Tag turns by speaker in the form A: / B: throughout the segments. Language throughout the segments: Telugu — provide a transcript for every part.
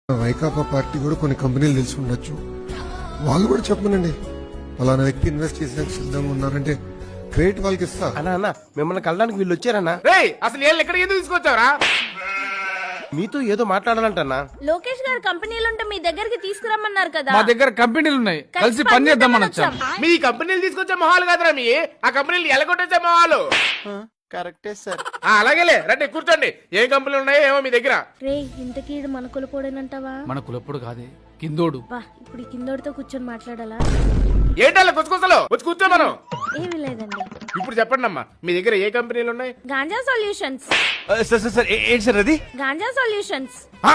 A: వైకాపా పార్టీ కూడా కొన్ని కంపెనీలు తెలిసి ఉండొచ్చు, వాళ్ళు కూడా చెప్పమనండి ఫలానా వ్యక్తి ఇన్వెస్ట్ చేసేందుకు సిద్ధంగా ఉన్నారంటే క్రెడిట్ వాళ్ళకి ఇస్తా.
B: అన్నా మిమ్మల్ని కలడానికి వీళ్ళు వచ్చారన్నా.
C: అసలు వీళ్ళు ఎక్కడికి ఎందుకు తీసుకొచ్చావరా?
B: మీతో ఏదో మాట్లాడాలంటన్నా.
D: లోకేష్ గారు కంపెనీలు ఉంటే మీ దగ్గరికి తీసుకురమ్మన్నారు కదా.
E: మా దగ్గర కంపెనీలు ఉన్నాయి, కలిసి పని చేద్దామని వచ్చాం.
C: మీ కంపెనీలు తీసుకొచ్చే మొహాలు కాదురా మీ, ఆ కంపెనీలు ఎలగొట్టేసే మొహాలు.
B: కరెక్టే సార్.
C: అలాగేలే రండి కూర్చోండి. ఏ కంపెనీలు ఉన్నాయో ఏమో మీ దగ్గర.
D: రే ఇంతకీ ఈడు మన కులపోడేనంటావా?
E: మన కులప్పుడు కాదే, కిందోడు.
D: ఇప్పుడు ఈ కిందోడితో కూర్చొని మాట్లాడాలా?
C: ఏంటల్లా కొచ్చుకొసలు వచ్చి కూర్చో మనం.
D: ఏమీ లేదండి.
C: ఇప్పుడు చెప్పండి అమ్మా, మీ దగ్గర ఏ కంపెనీలు ఉన్నాయి?
D: గాంజా సొల్యూషన్స్.
B: సార్ ఏంటి సార్ అది?
D: గాంజా సొల్యూషన్స్.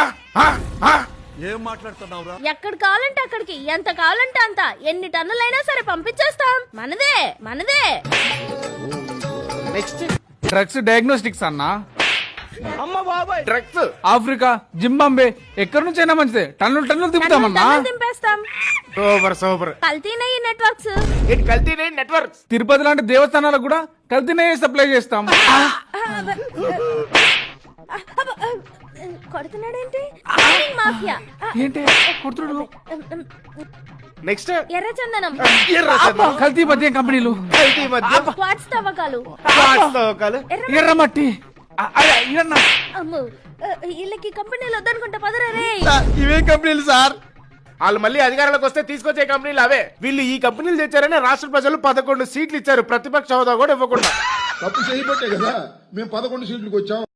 F: ఏం మాట్లాడుతున్నావురా?
D: ఎక్కడ కావాలంటే అక్కడికి, ఎంత కావాలంటే అంత, ఎన్ని టన్నులైనా సరే పంపించేస్తాం. మనదే మనదే.
C: నెక్స్ట్
E: డ్రగ్స్ డయాగ్నోస్టిక్స్ అన్నా.
C: డ్రగ్స్
E: ఆఫ్రికా, జింబాంబే, ఎక్కడి నుంచి అయినా మంచిదే, టన్నులు టన్నులు తిప్పుతామన్నా.
D: టన్నులు దింపేస్తాం.
C: Super super.
D: కల్తీనయ్యి నెట్వర్క్స్.
C: ఏంటి కల్తీ నెట్వర్క్స్?
E: తిరుపతి లాంటి దేవస్థానాలకు కూడా కల్తీనే సప్లై చేస్తాం.
D: కొడుతున్నాడేంటి? మాఫియా.
E: ఏంటి కొడుతుడు?
C: నెక్స్ట్
D: ఎర్రచందనం.
E: కల్తీ మద్యం కంపెనీలు,
C: కల్తీ మధ్య
D: క్వార్ట్స్ తవ్వకాలు.
E: ఎర్రమట్టి.
D: అమ్మో, వీళ్ళకి కంపెనీలు వద్దనుకుంటా పదరా రే.
B: ఇవే కంపెనీలు సార్.
C: వాళ్ళు మళ్ళీ అధికారంలోకి వస్తే తీసుకొచ్చే కంపెనీలు అవే. వీళ్ళు ఈ కంపెనీలు తెచ్చారని రాష్ట్ర ప్రజలు 11 సీట్లు ఇచ్చారు, ప్రతిపక్ష హోదా కూడా ఇవ్వకుండా.
G: తప్పు చేయబట్టే కదా మేము 11 సీట్లకు వచ్చాం.